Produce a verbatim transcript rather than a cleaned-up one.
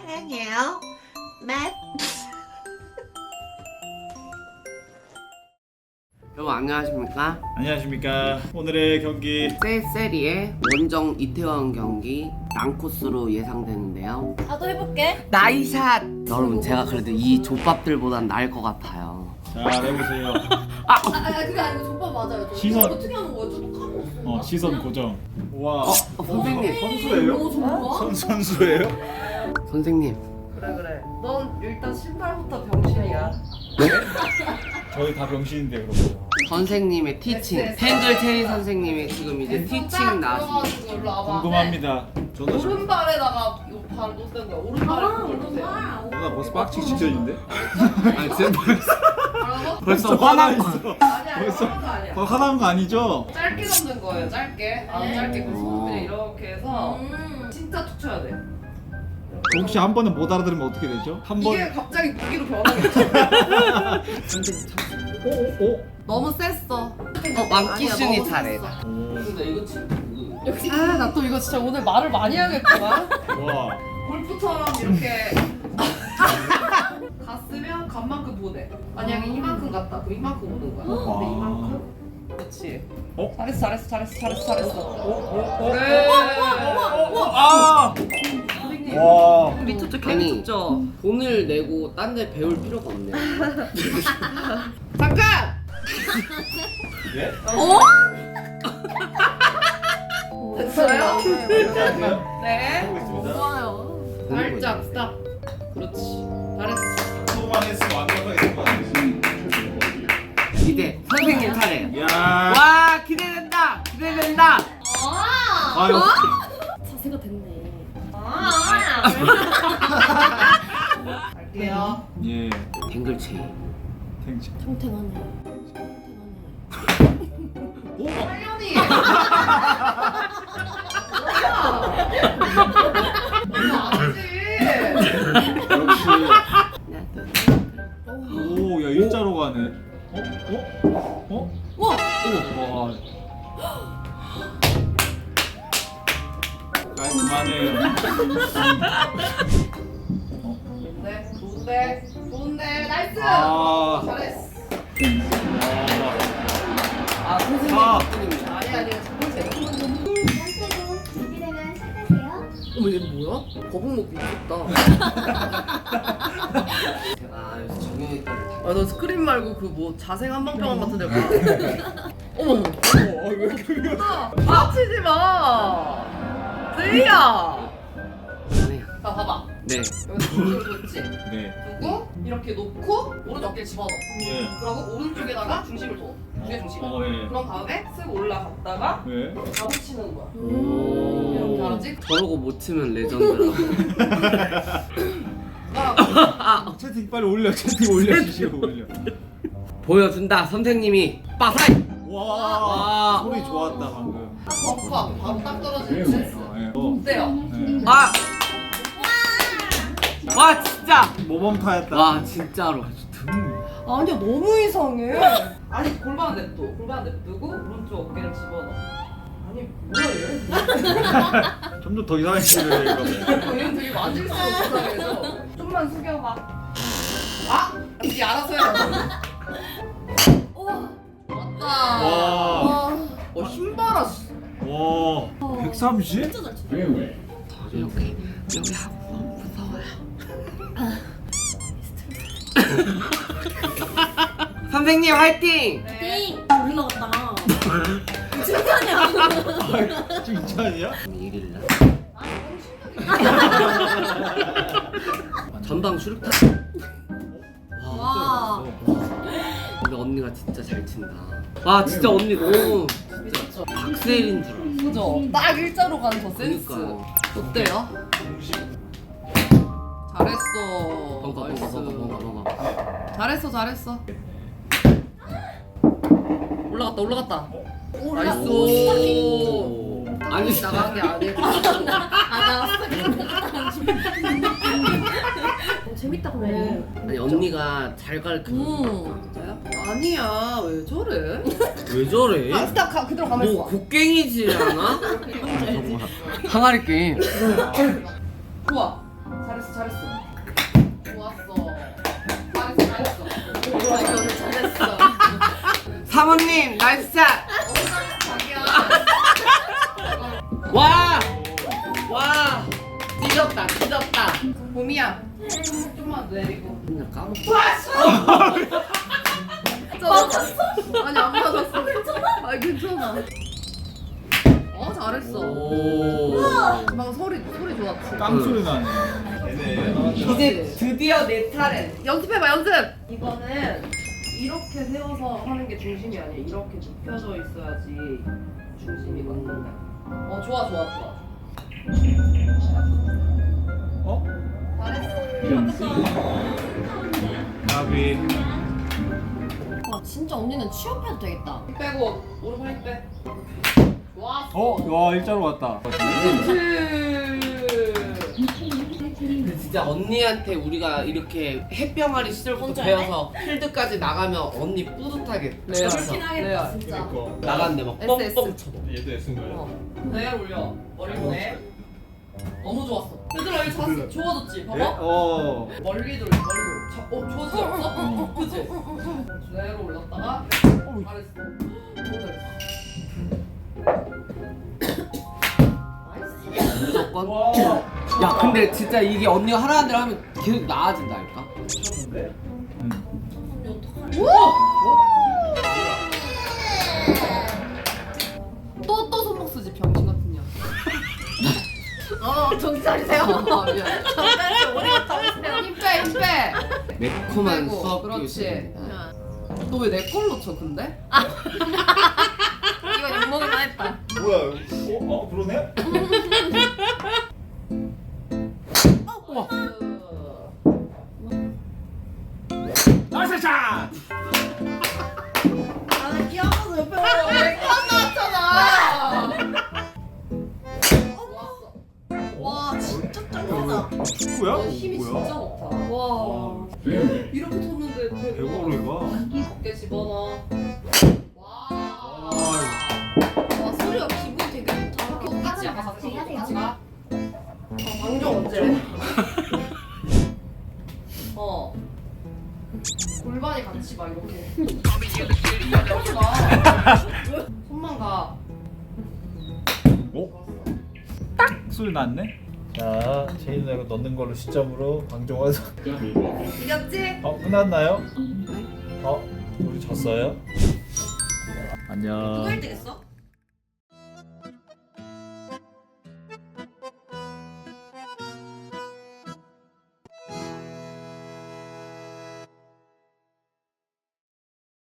사랑해요. 맵. 여러분 안녕하십니까? 안녕하십니까. 오늘의 경기 셀세리의 원정 이태원 경기 난코스로 예상되는데요. 나도 해볼게. 나이샷! 여러분 제가 그래도 이 족밥들보단 나을 것 같아요. 잘 해보세요. 아, 아 그게 아니고 족밥 맞아요. 저. 시선. 이거 어떻게 하는 거야? 저도 까먹었어. 어 시선 고정. 와. 어, 어 선생님. 선수예요? 오, 좋아. 선 선수예요? 선생님. 그래 그래. 넌 일단 신발부터 병신이야. 저희 다 병신인데 그러고. 선생님의 티칭. 됐어, 됐어. 탱글 체리 선생님의 지금 이제 티칭 나왔습니다. 들어가지고 일로 와봐. 궁금합니다. 저도 좀. 오른발에다가 이거 발 놓는 거야. 오른발에 그걸 놓으세요. 누나 벌써 빡치 직전인데? 아니 지금 벌써, 뭐라고? 벌써 화난 거. 아니야 벌써- 이거 하는 거 아니야. 어, 화난 거 아니죠? 짧게 넣는 거예요. 짧게. 아 짧게 그 손 그냥 이렇게 해서 음. 진짜 툭 쳐야 돼. 혹시 한 번은 못 알아들으면 어떻게 되죠? 한 번. 이게 갑자기 무기로 변하겠지. 오 오. 너무 셌어. 어 왕키순이 잘해. 오. 근데 이거 진짜 아 나 또 이거 진짜 오늘 말을 많이 해야겠구나. 와. 골프처럼 이렇게 갔으면 간만큼 보내. 만약에 이만큼 갔다 그럼 이만큼 오는 거야. 와. 근데 이만큼. 그렇지. 어? 잘했어 잘했어 잘했어 잘했어 잘했어. 오. 그래. 아. 선생님. 와. 미쳤죠 아니. 미쳤죠. 돈을 내고 딴 데 배울 필요가 없네. 잠깐. 예? 됐어요? 네. 하고 있습니다. 좋아요. 살짝 스탑. 그렇지. 잘했어. 소만 했으면 완벽하게 된거 같아요. 기대. 선생님 차례. 야. 와 기대된다. 기대된다. 아. 아 역시. 자세가 됐네. 아. 갈게요. 예. 탱글 체리. 탱지. 평탱하네. 오. 할련이. 역시. 나도. 오, 야 일자로 가네. 어? 어? 어? 와. 와. 깔끔하네요. 어? 좋은데, 좋은데, 좋은데, 나이스. 아. 잘했어. 아 선생님 아. 덕분입니다. 아니 아니, 첫 번째. 준비되면 시작하세요. 어머 얘 뭐야? 거북 먹고 있었다. 제가 요새 정형외과를 다. 아 너 스크린 말고 그 뭐 자생 한방병원 같은 데 가. 어머. 어머. 어, 왜 이렇게 아 치지 마. 쓰이야. 미안해요. 자 봐봐. 네. 여기서 중심을 뒀지. 네. 두고 이렇게 놓고 오른쪽 어깨를 집어넣어. 예. 그리고 오른쪽에다가 중심을 둬. 무게 중심. 어, 예. 그런 다음에 쓱 올라갔다가 왜? 가부 치는 거야. 오. 이렇게 알았지? 저러고 못 치면 레전드라. 채팅 빨리 올려. 채팅 올려 주시고 올려. 보여준다 선생님이 빠사이. 와. 와. 소리 좋았다 방금. 벙커 바로 딱 떨어지는 센스. 어, 예. 어. 어때요? 네. 아. 와 진짜. 모범 타였다. 와 진짜로. 아니야 너무 이상해. 아니 골반 냅둬. 골반 냅두고 오른쪽 어깨를 집어넣어. 아니 뭐야 얘? 점점 더 이상해지네 이거. 어, 얘는 되게 만질수록 이상해서 좀만 숙여봐. 아! 이제 알아서 해. 우와. 맞다. 와. 어 힘봐라. 씨. 와. 백삼십? 진짜 잘 쳐. 이렇게 여기 하고 너무 무서워요. 선생님 화이팅! 네. 띵. 올라갔다. 칭찬이야. 지금 이찬이야? 일일날 아니 너무 심각해. 전방 수류탄. 와. 와. 근데 언니가 진짜 잘 친다. 와 진짜 언니 너무 미쳤죠? 박세일인 줄 알았어. 그죠? 딱 일자로 가는 저 센스. 그러니까요. 어때요? 잘했어. 벙커 벙커 나이스. 벙커 벙커 벙커. 잘했어 잘했어. 올라갔다 올라갔다. 나이스. 오. 아니 나간 게 아니고. 아 나왔어. 재밌다 그래. 아니 언니가 잘 가르쳐. 음. 진짜요? 아니야 왜 저래? 왜 저래? 아 스탑 가, 그대로 가만 뭐 있어. 곡괭이지 않아? 항아리 게임. 좋아. 잘했어. 잘했어 잘했어. 좋았어. 잘했어 잘했어. 잘했어. 사모님 나이스 샷! 자기야. 와! 와! 찢었다 찢었다 봄이야. 좀만 내리고. 그냥 까먹고 맞았어? 아니 안 맞았어. 괜찮아? 아니 괜찮아. 어 잘했어. 오 막 소리 소리 좋았지. 깡소리 나네. 이제 드디어 내 차례 연습해봐 연습. 이거는 이렇게 세워서 하는 게 중심이 아니야. 이렇게 눕혀져 있어야지 중심이거든. 어 좋아 좋아 좋아. 어? 잘했어. 나비. 와 진짜 언니는 취업해도 되겠다. 힘 빼고 오른팔 힘 빼. 좋았어. 어? 와 일자로 왔다. 근데 진짜 언니한테 우리가 이렇게 햇병아리 시절부터 혼자 해? 배워서 필드까지 나가면 언니 뿌듯하게 레알. 쳐서 그렇긴 하겠다 진짜. 나갔는데 막 에스, 뻥뻥 에스. 쳐도 얘도 애쓴 거야. 어. 레알 올려. 머리 보내. 너무 좋았어. 얘들아 여기 자세 좋아졌지? 봐봐. 어. 멀리 돌려 멀리. 자, 어 좋아지지 않았어? 그치? 레알 올렸다가 잘했어. 너무 잘했어. 나이스. 무조건 와. 야 근데 진짜 이게 언니가 하라는 대로 하면 계속 나아진다니까 언니 어떡하냐. 또또 손목 쓰지 병신 같은 년. 어 정신 차리세요. 아 미안. 정신 오래 잡으세요. 힘 빼, 힘 빼. 매콤한 빼고, 수업 그렇지. 교실입니다. 너 왜 내 걸로 쳐 근데? 이거 욕먹을만 했다. 뭐야? 어? 어? 그러네? 우와. 나이스 샷! 나는 끼어서 옆에 어, 내건 나왔잖아. 와 진짜 짱이다. 축구야? 너 힘이 뭐야? 진짜 좋다. 와. 이렇게 쳤는데 배고로가. 어깨 집어넣어. 와. 아, 와 소리가 기분이 되게 좋다. 같이 가, 같이 가, 같이 가. 어, 방정 언제 해? 어. 골반이 같이 막 이렇게. 하지 마. 손만 가. 어? 소리 났네? 자, 제이 누나가 넣는 걸로 시점으로 방종원 선. 이겼지? 어, 끝났나요? 어, 우리 졌어요? 안녕. 누가 일 등 했어?